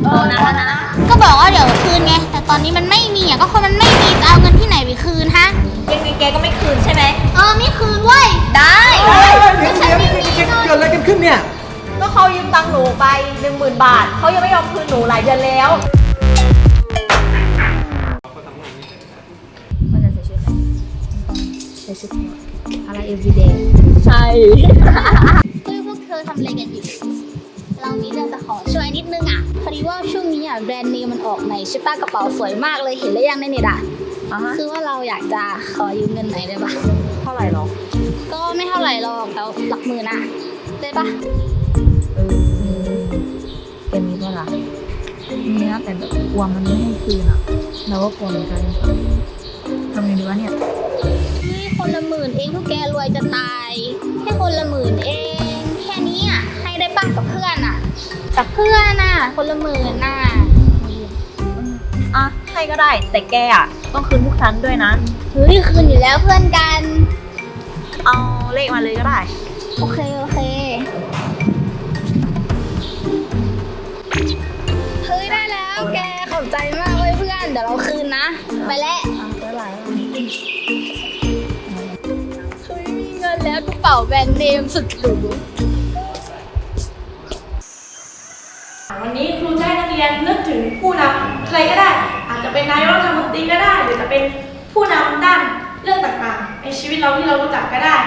นะก็บอกว่าเดี๋ยวคืนไงแต่ตอนนี้มันไม่มีอ่ะก็คนมันไม่มีจะเอาเงินที่ไหนไปคืนฮะยังไงแกก็ไม่คืนใช่ไหมไม่คืนเว้ยได้เดี๋ยวเกิดอะไรกันขึ้นเนี่ยก็เขายืมตังค์หนูไป 10,000 บาทเขายังไม่ยอมคืนหนูหลายเดือนแล้วมันจะใส่ชุดอะไรใส่ชุดอะไร everyday ใช่พวกเธอทำอะไรกันอยู่เรามีเรื่องจะขอช่วยนิดนึงอ่ะพอดีว่าช่วงนี้อ่ะแบรนด์เนมมันออกใหม่ใช่ป่ะกระเป๋าสวยมากเลยเห็นแล้วยังในเน็ตอ่ะคือว่าเราอยากจะขอยืมเงินหน่อยได้ปะเท่าไหร่หรอก็ไม่เท่าไหร่หรอกแต่หลักหมื่นอ่ะได้ปะแกมีป่ะล่ะมีนะแต่แบบกลัวมันไม่ให้คืนอ่ะเราก็กลัวเหมือนกันทำไงดีวะเนี่ยคนละ10,000เองพวกแกรวยจะตายแค่คนละ10,000เองแค่นี้อ่ะให้ได้ป่ะกับเพื่อนอ่ะกับเพื่อนอ่ะคนละ10,000น่ะให้ก็ได้แต่แกอ่ะต้องคืนพวกฉันด้วยนะเฮ้ยคืนอยู่แล้วเพื่อนกันเอาเลขมาเลยก็ได้โอเคเฮ้ยได้แล้วแกขอบใจมากเลยเพื่อนเดี๋ยวเราคืนนะไปแล้วเฮ้ยมีเงินแล้วกระเป๋าแบรนด์เนมสุดหรูวันนี้ครูจะให้นักเรียนนึกถึงผู้นำใครก็ได้อาจจะเป็นนายกรัฐมนตรีก็ได้หรือจะเป็นผู้นำด้านเรื่องต่างๆในชีวิตเราที่เรารู้จักก็ได้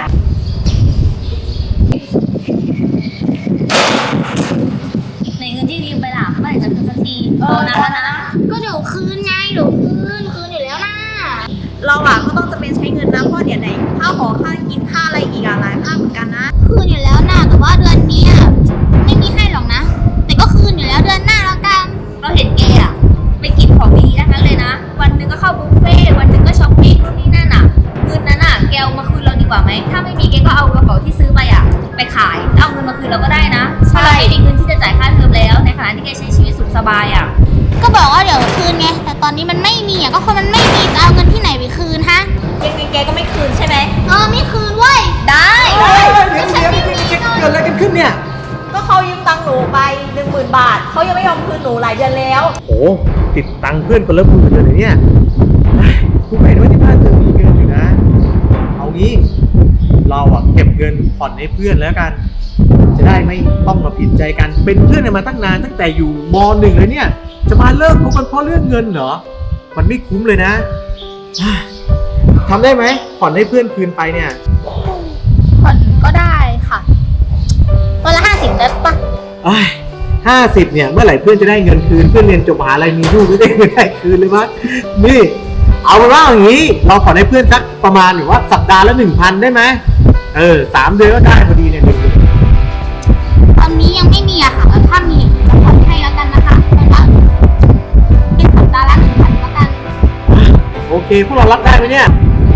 ในเงินที่ยืมไปล่ะเมื่อไหร่จะคืนสักทีนะก็เดี๋ยวคืนไงเดี๋ยวคืนอยู่แล้วนะเราอ่ะก็ต้องจะเป็นใช้เงินนะเพราะเดี๋ยวไหนค่าหอค่ากินค่าอะไรอีกหลายค่าเหมือนกันนะคืนอยู่แล้วนะแต่ว่าเดือนนี้ไม่มีให้หรอกนะแต่ก็คืนอยู่แล้วเดือนหน้าแล้วกันเราเห็นแกอ่ะไปกินของดีทั้งนั้นเลยนะวันหนึ่งก็เข้าบุฟเฟ่วันหนึ่งก็ช้อปปิ้งนู่นนี่นั่นอ่ะเงินนั้นอ่ะแกเอามาคืนเราดีกว่าไหมถ้าไม่มีแกก็เอากระเป๋าที่ซื้อไปอ่ะไปขายเอาเงินมาคืนเราก็ได้นะเพราะเราไม่มีเงินที่จะจ่ายค่าเทอมแล้วในขณะที่แกใช้ชีวิตสุขสบายอ่ะก็บอกว่าเดี๋ยวคืนไงแต่ตอนนี้มันไม่มีอ่ะก็คนมันไม่มีจะเอาเงินที่ไหนไปคืนฮะยังไงแกก็ไม่คืนใช่ไหมไม่คืนเว้ยได้เดี๋ยวเกิดอะไรกันขึ้นเนี่ยก็เขายืมตังค์หนูไป 10,000 บาทเขายังไม่ยอมคืนหนูหลายเดือนแล้วโอ้ติดตังค์เพื่อนคนละ10,000เลยเนี่ยครูเห็นว่าที่บ้านเธอมีเงินอยู่นะเอางี้เราอ่ะเก็บเงินผ่อนให้เพื่อนแล้วกันจะได้ไม่ต้องมาผิดใจกันเป็นเพื่อนกันมาตั้งนานตั้งแต่อยู่ม.1เลยเนี่ยจะมาเลิกคบกันเพราะเรื่องเงินเหรอมันไม่คุ้มเลยนะทำได้ไหมผ่อนให้เพื่อนคืนไปเนี่ยผ่อนก็ได้ค่ะวันละ50ได้ปะ 50เนี่ยเมื่อไหร่เพื่อนจะได้เงินคืนเพื่อนเรียนจบมหาลัยมีลูกไม่ได้คืนเลยมั้ยนี่เอาเป็นว่าอย่างนี้เราผ่อนให้เพื่อนสักประมาณหรือว่าสัปดาห์ละ 1,000 ได้ไหม3 เดือนก็ได้พอดีเนี่ยตอนนี้ยังไม่มีอะค่ะถ้ามีจะผ่อนให้แล้วกันนะคะเป็นสัปดาห์ละ 1,000แล้วกันโอเคพวกเรารับได้ไหมเนี่ย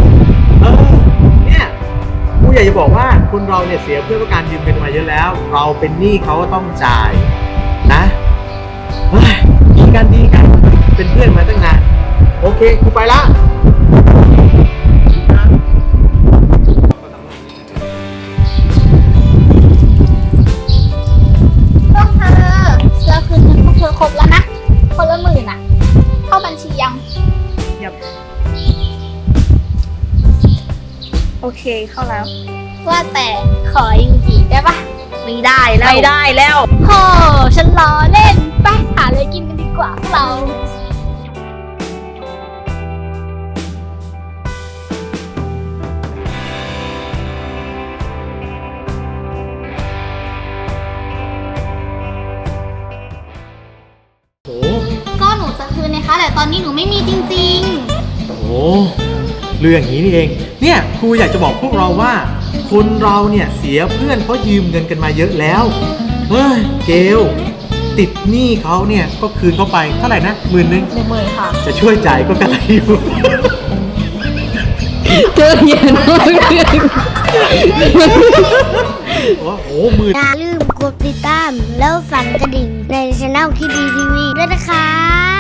เนี่ยกูอยากจะบอกว่าคนเราเนี่ยเสียเพื่อนเพราะการยืมเงินมาเยอะแล้วเราเป็นหนี้เขาก็ต้องจ่ายนะดีกันเป็นเพื่อนมาตั้งนานโอเคกูไปละพวกเธอเราคืนเงินพวกเธอครบแล้วนะคนละ10,000อ่ะเข้าบัญชียังโอเคเข้าแล้วว่าแต่ขอยืมอีกได้ปะไม่ได้แล้วโหฉันล้อเล่นไปหาอะไรกินกันดีกว่าพวกเราก็หนูจะคืนนะคะแต่ตอนนี้หนูไม่มีจริงเรื่องอย่างนี้นี่เองเนี่ยครูอยากจะบอกพวกเราว่าคนเราเนี่ยเสียเพื่อนเพราะยืมเงินกันมาเยอะแล้วเกลติดหนี้เขาเนี่ยก็คืนเขาไปเท่าไหร่นะ 10,000ค่ะจะช่วยจ่ายก็กระไรอยู่เจอเย็นมากโอ้โหมืออย่าลืมกดติดตามแล้วสั่นกระดิ่งในช่องคิดดีทีวีด้วยนะคะ